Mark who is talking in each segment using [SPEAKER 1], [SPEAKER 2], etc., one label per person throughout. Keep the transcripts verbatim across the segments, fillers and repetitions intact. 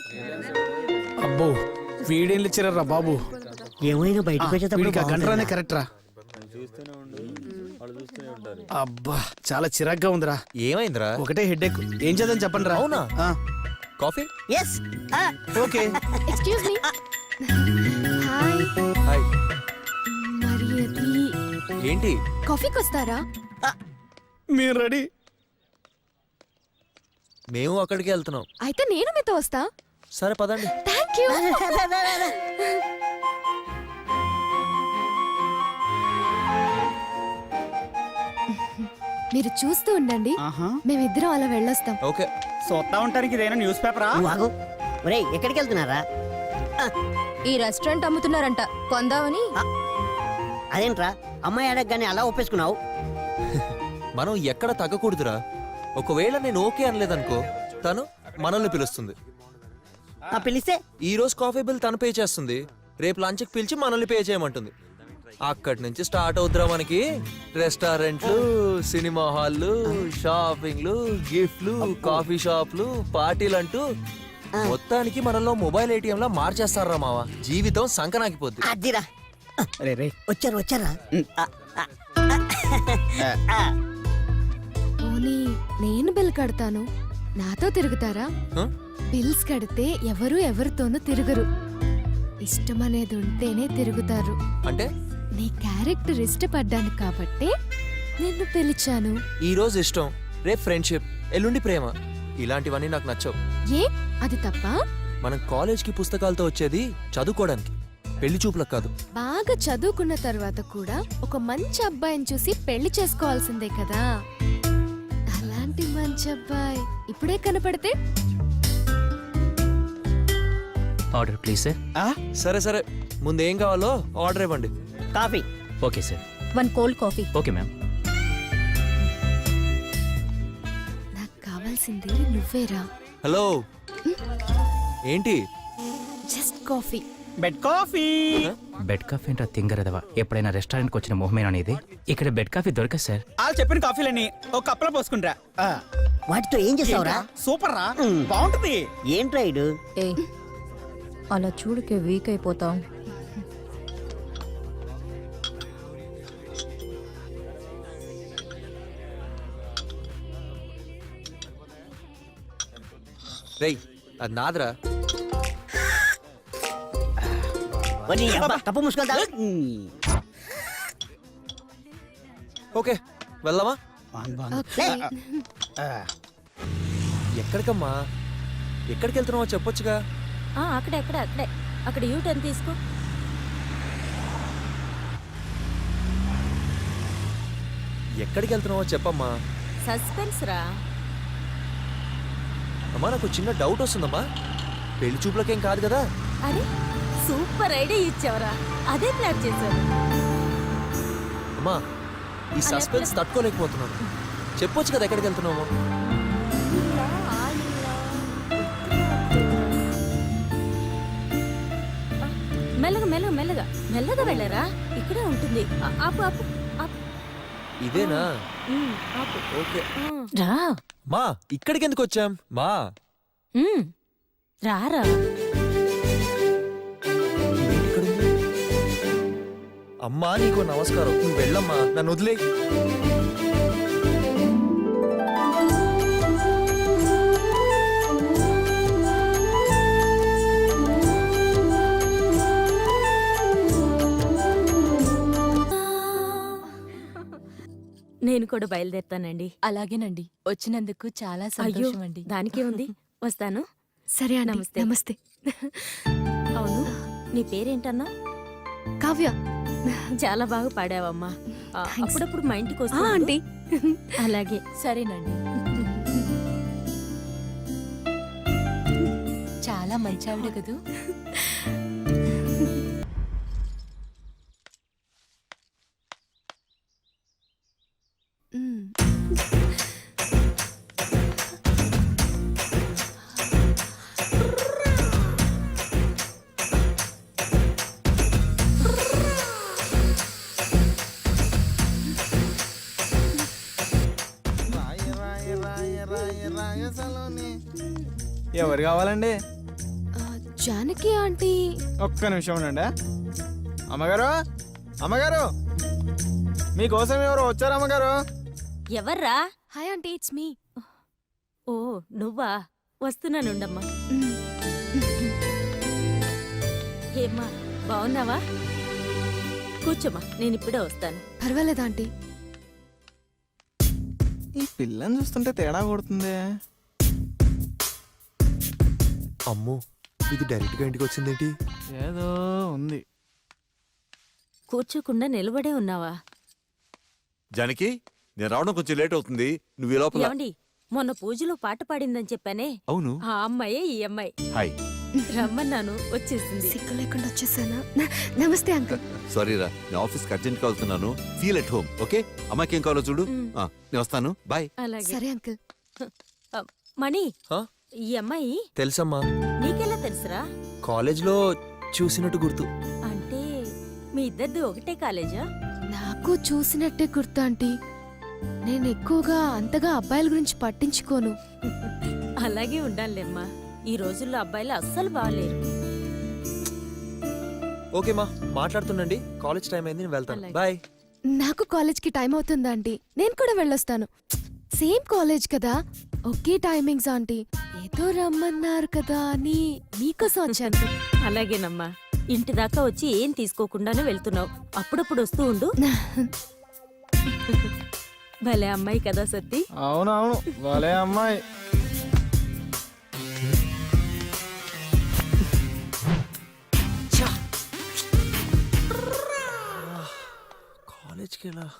[SPEAKER 1] అబ్బో వీడేం ఇచ్చారా బాబు.
[SPEAKER 2] ఏమైనా బయటకు
[SPEAKER 1] గంటరానే కరెక్ట్ రా. అబ్బా చాలా చిరాగ్గా ఉందిరా.
[SPEAKER 3] ఏమైందిరా?
[SPEAKER 1] ఒకటే హెడ్ ఎక్. ఏం చేద్దాం చెప్పండి రా.
[SPEAKER 3] అవునా? Coffee?
[SPEAKER 2] Yes
[SPEAKER 1] okay.
[SPEAKER 4] Excuse me. Hi.
[SPEAKER 3] Hi.
[SPEAKER 4] మరి అది
[SPEAKER 3] ఏంటి?
[SPEAKER 4] కాఫీకి వస్తారా?
[SPEAKER 1] మీరు రెడీ?
[SPEAKER 3] మేము అక్కడికి వెళ్తున్నాం.
[SPEAKER 4] అయితే నేను మీతో వస్తా.
[SPEAKER 3] సరే పదండి.
[SPEAKER 4] Thank you. మీరు చూస్తూ ఉండండి, మేమిద్దరం అలా వెళ్ళొస్తాం.
[SPEAKER 3] ఓకే.
[SPEAKER 1] చూస్తా ఉంటానికి ఇదేనా న్యూస్ పేపరా?
[SPEAKER 2] ఒరేయ్ ఎక్కడికి వెళ్తున్నారా?
[SPEAKER 4] ఈ రెస్టారెంట్ అమ్ముతున్నారంట, కొందామని.
[SPEAKER 2] అదేంట్రా అమ్మాయి అడగగానే అలా ఒప్పేసుకున్నావు?
[SPEAKER 3] మనం ఎక్కడ తగ్గకూడదురా. ఒకవేళ నేను ఓకే అనలేదనుకో తను మనల్ని పిలుస్తుంది.
[SPEAKER 2] పిలిస్తే
[SPEAKER 3] ఈ రోజు కాఫీ బిల్ తను పే చేస్తుంది, రేపు లంచ్కి పిలిచి మనల్ని పే చేయమంటుంది. అక్కడి నుంచి స్టార్ట్ అవుతురా మనకి రెస్టారెంట్లు, సినిమా హాల్లు, షాపింగ్లు, గిఫ్ట్లు, కాఫీ షాప్లు, పార్టీలు అంటూ మొత్తానికి మనలో మొబైల్ ఏటీఎం లా మార్చేస్తారా మావా. జీవితం సంకనాకిపోద్ది.
[SPEAKER 2] అదిరా వచ్చారు వచ్చారా?
[SPEAKER 4] పోనీ నేను బిల్ కడతాను, నాతో తిరుగుతారా? బిల్స్ కడితే ఎవరు ఎవరితోనూ తిరగరు. ఇష్టం అనేది ఉంటేనే తిరుగుతారు.
[SPEAKER 3] అంటే
[SPEAKER 4] నీ క్యారెక్టర్ ఇష్టపడ్డాను కాబట్టి నిన్ను పిలిచాను.
[SPEAKER 3] ఈ రోజు ఇష్టం, రేపు ఫ్రెండ్షిప్, ఎల్లుండి ప్రేమ. ఇలాంటివన్నీ నాకు నచ్చవు.
[SPEAKER 4] ఏ అది తప్ప?
[SPEAKER 3] మనం కాలేజ్ కి పుస్తకాలతో వచ్చేది చదువుకోవడానికి, పెళ్లి చూపులకు కాదు.
[SPEAKER 4] బాగా చదువుకున్న తర్వాత కూడా ఒక మంచి అబ్బాయిని చూసి పెళ్లి చేసుకోవాల్సిందే కదా. అలాంటి మంచి అబ్బాయి ఇప్పుడే కనపడితే.
[SPEAKER 5] Order please sir.
[SPEAKER 3] సరే సరే, ముందు ఏం కావాలో ఆర్డర్ ఇవ్వండి.
[SPEAKER 2] Coffee.
[SPEAKER 5] Okay sir.
[SPEAKER 4] One cold coffee.
[SPEAKER 5] Okay ma'am.
[SPEAKER 4] నాకు కావాల్సింది నువ్వేరా.
[SPEAKER 3] హలో, ఏంటి?
[SPEAKER 4] Just coffee.
[SPEAKER 1] Bed coffee.
[SPEAKER 5] Bed coffee అంటే తింగరదవా. ఎప్పుడైనా రెస్టారెంట్కి వచ్చిన మొహమేనా అనేది? ఇక్కడ బెడ్ కాఫీ దొరకదు సార్.
[SPEAKER 1] వాళ్ళు చెప్పిన కాఫీలని ఒక కప్పులో పోసుకుంటా.
[SPEAKER 2] వాటితో ఏం చేసావురా?
[SPEAKER 1] సూపర్ రా, బాగుంటుంది.
[SPEAKER 2] ఏంట్రా ఇడు?
[SPEAKER 6] ఏ అలా చూడుకే వీక్ అయిపోతాం.
[SPEAKER 3] రేయ్ అది నాదరా.
[SPEAKER 2] కప్పు మూసుకుంటా.
[SPEAKER 3] ఓకే వెళ్దామా?
[SPEAKER 4] ఓకే.
[SPEAKER 3] ఎక్కడికమ్మా? ఎక్కడికి వెళ్తున్నావో చెప్పొచ్చుగా.
[SPEAKER 6] అక్కడే అక్కడే అక్కడే అక్కడ యూ టర్న్ తీసుకో.
[SPEAKER 3] ఎక్కడికి వెళ్తున్నావో చెప్పమ్మా.
[SPEAKER 6] సస్పెన్స్ రా.
[SPEAKER 3] అమ్మా నాకు చిన్న డౌట్ వస్తుందమ్మా. పెళ్లి చూపులకేం కాదు కదా?
[SPEAKER 6] అరే సూపర్ ఐడియా ఇచ్చావరా, అదే ప్లాన్ చేశారు.
[SPEAKER 3] అమ్మా ఈ సస్పెన్స్ తట్టుకోలేకపోతున్నాను. చెప్పొచ్చు కదా ఎక్కడికి వెళ్తున్నామో.
[SPEAKER 6] మెల్లగా మెల్లగా మెల్లగా మెల్లగా వెళ్ళరా, ఇక్కడే ఉంటుంది. ఆపు ఆపు ఆపు.
[SPEAKER 3] ఇదేనా?
[SPEAKER 6] ఆపు.
[SPEAKER 3] ఓకే
[SPEAKER 6] రా.
[SPEAKER 3] మా ఇక్కడికి ఎందుకు వచ్చాం మా?
[SPEAKER 6] రారా.
[SPEAKER 3] అమ్మా నీకు నమస్కారం, నువ్వు వెళ్ళమ్మా, నన్ను వదిలే.
[SPEAKER 6] నేను కూడా బయలుదేరుతానండి.
[SPEAKER 4] అలాగేనండి, వచ్చినందుకు చాలా సంతోషం అండి.
[SPEAKER 6] దానికే ఉంది, వస్తాను.
[SPEAKER 4] సరే అండి.
[SPEAKER 6] నమస్తే.
[SPEAKER 4] నమస్తే.
[SPEAKER 6] అవును, నీ పేరేంటన్నా?
[SPEAKER 4] కావ్య.
[SPEAKER 6] చాలా బాగా పాడావమ్మా. అప్పుడప్పుడు మా ఇంటికి వస్తా
[SPEAKER 4] ఆంటీ.
[SPEAKER 6] అలాగే.
[SPEAKER 4] సరేనండి. చాలా మంచి ఆవిడ కదూ.
[SPEAKER 1] ఎవరు కావాలండి?
[SPEAKER 4] జానకి ఆంటీ
[SPEAKER 7] ఒక్క నిమిషం ఉండండి. అమ్మగారు అమ్మగారు మీకోసం ఎవరు వచ్చారు అమ్మగారు?
[SPEAKER 6] ఎవర్రా?
[SPEAKER 4] Hi aunty, it's me.
[SPEAKER 6] ఓ నువ్వా? వస్తున్నానుండమ్మా. ఏమ్మా బాగున్నావా? కూర్చోమ్మా, నేను ఇప్పుడే వస్తాను.
[SPEAKER 4] పర్వాలేదు ఆంటీ.
[SPEAKER 7] ఈ పిల్లని చూస్తుంటే తేడా కొడుతుంది.
[SPEAKER 3] అమ్మో, ఇది డైరెక్ట్ గా ఇంటికి వచ్చిందేంటి?
[SPEAKER 7] ఏదో ఉంది.
[SPEAKER 6] కూర్చోకుండా నిలబడే ఉన్నావా?
[SPEAKER 8] జానకి, నేను రావడం కొంచెం లేట్ అవుతుంది. నువ్వు ఈ లోపల.
[SPEAKER 6] ఏమండి, మొన్న పూజలో పాట పాడిందని చెప్పానే,
[SPEAKER 8] అవును.
[SPEAKER 6] ఆ అమ్మాయే ఈ అమ్మాయి.
[SPEAKER 8] హాయ్.
[SPEAKER 6] రమ్మన్నాను, వచ్చేసింది.
[SPEAKER 4] సిగ్గు లేకుండా వచ్చేసానా? న- నమస్తే అంకుల్.
[SPEAKER 8] సారీ రా, నేను ఆఫీస్కి అర్జెంట్గా వెళ్తున్నాను. Feel at home, okay? అమ్మాయికి ఏం కావాలో చూడు.
[SPEAKER 6] మ్.
[SPEAKER 8] ఆ, నేను వస్తాను, బాయ్.
[SPEAKER 6] అలాగే.
[SPEAKER 4] సరే అంకుల్.
[SPEAKER 6] ఆ, మణి,
[SPEAKER 3] హా?
[SPEAKER 6] ఈ అమ్మాయి
[SPEAKER 3] తెలుసమ్మా,
[SPEAKER 6] నీకెలా తెలుసురా?
[SPEAKER 3] కాలేజ్లో చూసినట్టు గుర్తు.
[SPEAKER 6] అంటే మీ ఇద్దరిది ఒకటే కాలేజా?
[SPEAKER 4] నాకు చూసినట్టే గుర్తు ఆంటీ. నేను ఎక్కువగా అంతగా అబ్బాయిల గురించి పట్టించుకోను.
[SPEAKER 6] అలాగే ఉండాలిలేమ్మా. ఈ రోజుల్లో అబ్బాయిలు అస్సలు బాగలేరు.
[SPEAKER 3] ఓకే మా, మాట్లాడుతుండండి. కాలేజ్ టైం అయింది, నేను వెళ్తాను.
[SPEAKER 6] అలాగే.
[SPEAKER 3] బాయ్.
[SPEAKER 4] నాకు కాలేజ్కి టైం అవుతుంది ఆంటీ. నేను కూడా వెళ్ళొస్తాను. సేమ్ కాలేజ్ కదా, ఒకే టైమింగ్స్ ఆంటీ. ఏదో రమ్మన్నారు కదా అని మీకోసం వచ్చాను.
[SPEAKER 6] అలాగేనమ్మా. ఇంటి దాకా వచ్చి ఏం తీసుకోకుండానే వెళ్తున్నావు. అప్పుడప్పుడు వస్తూ ఉండు. భలే అమ్మాయి కదా సత్తి.
[SPEAKER 7] అవునవును, భలే అమ్మాయి.
[SPEAKER 3] కాలేజ్కి ఎలా?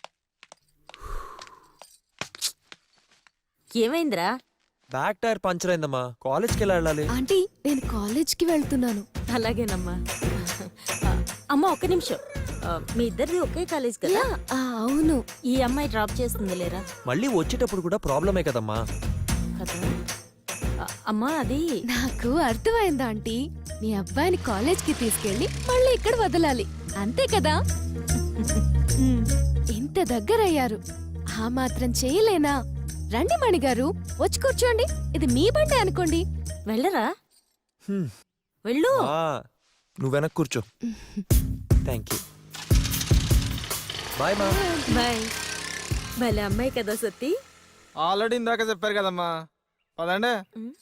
[SPEAKER 6] ఏమైందిరా?
[SPEAKER 3] బ్యాక్ టైర్ పంచర్ అయిందమ్మా. కాలేజ్కి ఎలా వెళ్ళాలి?
[SPEAKER 4] ఆంటీ, నేను కాలేజ్కి వెళ్తున్నాను.
[SPEAKER 6] అలాగేనమ్మా. ఆ, అమ్మ ఒక్క నిమిషం. ఆ, మీ ఇద్దరిది ఒకే కాలేజ్ కదా?
[SPEAKER 4] యా, ఆ, అవును.
[SPEAKER 6] ఈ అమ్మాయి డ్రాప్ చేస్తుంది లేరా?
[SPEAKER 3] మళ్ళీ వచ్చేటప్పుడు కూడా ప్రాబ్లమే కదమ్మా.
[SPEAKER 6] కదా. ఆ, అమ్మా అది
[SPEAKER 4] నాకు అర్థమైందా ఆంటీ? మీ అబ్బాయిని కాలేజ్కి తీసుకెళ్ళి మళ్ళీ ఇక్కడ వదలాలి, అంతే కదా? మ్, ఇంత దగ్గరయ్యారు, ఆ మాత్రం చేయలేనా? రండి మణిగారు, వచ్చి కూర్చోండి. ఇది మీ బండి అనుకోండి.
[SPEAKER 6] వెళ్ళరా?
[SPEAKER 3] హ్మ్.
[SPEAKER 6] వెళ్ళు.
[SPEAKER 3] ఆ, నువ్వు వెనక్కి కూర్చో. Thank you. బాయ్ మా.
[SPEAKER 6] బాయ్. భలే అమ్మాయి కదా సత్తి.
[SPEAKER 7] ఆల్రెడీ ఇందాక చెప్పారు కదమ్మా. పదండి.
[SPEAKER 6] ఉమ్.